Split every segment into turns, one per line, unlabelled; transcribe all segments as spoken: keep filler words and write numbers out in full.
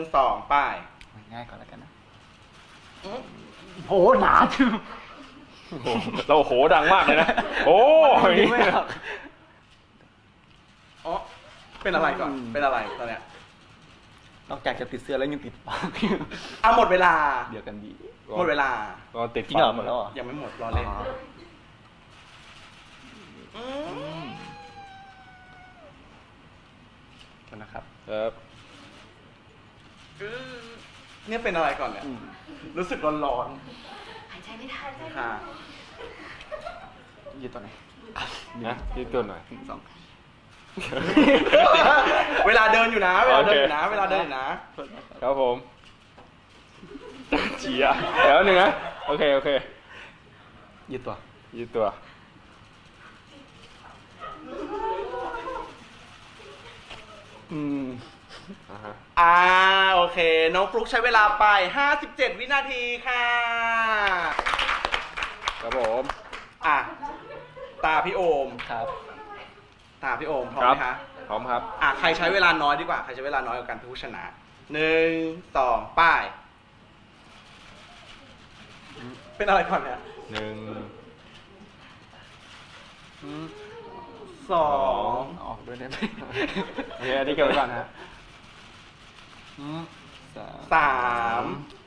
สองป้าย
ง่ายก่อนแล้วกันนะ
โหหนาจัง
โอ้โหเราโหดังมากเลยนะ โอ้ย
ไม่หรอก
อ๋อเป็นอะไรก่อน เป็นอะไรตอนเนี้ย
นอกจากจะติดเสื้อแล้วยังติดปาก
อ่ะหมดเวลา
เดียวกันดี
หมดเวลา
ก็ติด
จริงเหรอหมดแล้วเหรอ
ยังไม่หมดรอเล่น
อ๋อ
ม
นะครับ
ครับ
เนี่ยเป็นอะไรก่อนเนี่ย รู้สึกร้อน
หายใจไม่ทัน
ๆค่ะ
ยืดตัวไหน
นะยืดตัวหน่อย
สอง
เวลาเดินอยู่นะ เวลาเดินอยู่นะ เวลาเดินอยู่นะ
ครับผมเฉียเดี๋ยวหนึ่งนะ โอเค โอเค
ยืดตัว
ยืดตัว
อืม
อ่าฮะ
อ่าโอเค น้องฟลุกใช้เวลาไป ห้าสิบเจ็ด วินาทีค่ะ
ครับผม
อ่ะ ตาพี่โอม
ครับ
ตาพี่โอมพร้อม
ครั
ไหมคะ
พร้อมครับ
อ่ะ ใครใช้เวลาน้อยดีกว่า ใครใช้เวลาน้อยกว่ากันผู้ชนะหนึ่งสองป้าย เป็นอะไรก่อนเนี่ย
หนึ่ง
สอง
ออกด้วยได้ไหม
โอเคอันนี้เก็บไว้ก่อนนะฮะ
อืมสาม
สาม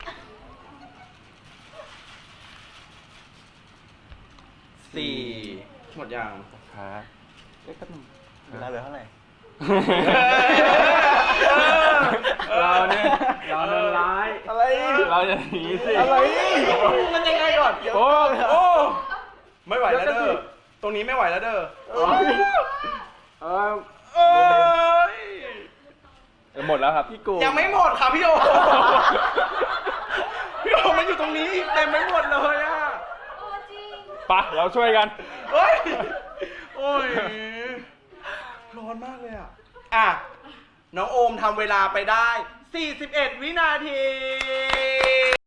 สี่หมดยัง
ครับ
เอ๊ะแป๊บนึงเวลาเหลือเท่าไหร่
เราเนี่ยเราเดินร้าย
อะไร
เราจะหนีสิ
อะไรมันยังไงก่อน
โอ้
โอ้ไม่ไหวแล้วเด้อ ตรงนี้ไม่ไหวแล้วเด้อ
เออ
เอ้ย
หมดแล้วครับพี่กู
ยังไม่หมดค่ะพี่โอ พี่โอมันอยู่ตรงนี้อีกเต็มไม่หมดเลยอ่ะ
โอ้จริง
ปะเราช่วยกัน
เฮ้ย โอ้ย ร้อนมากเลยอ่ะ อ่ะ น้องโอมทำเวลาไปได้ สี่สิบเอ็ด วินาที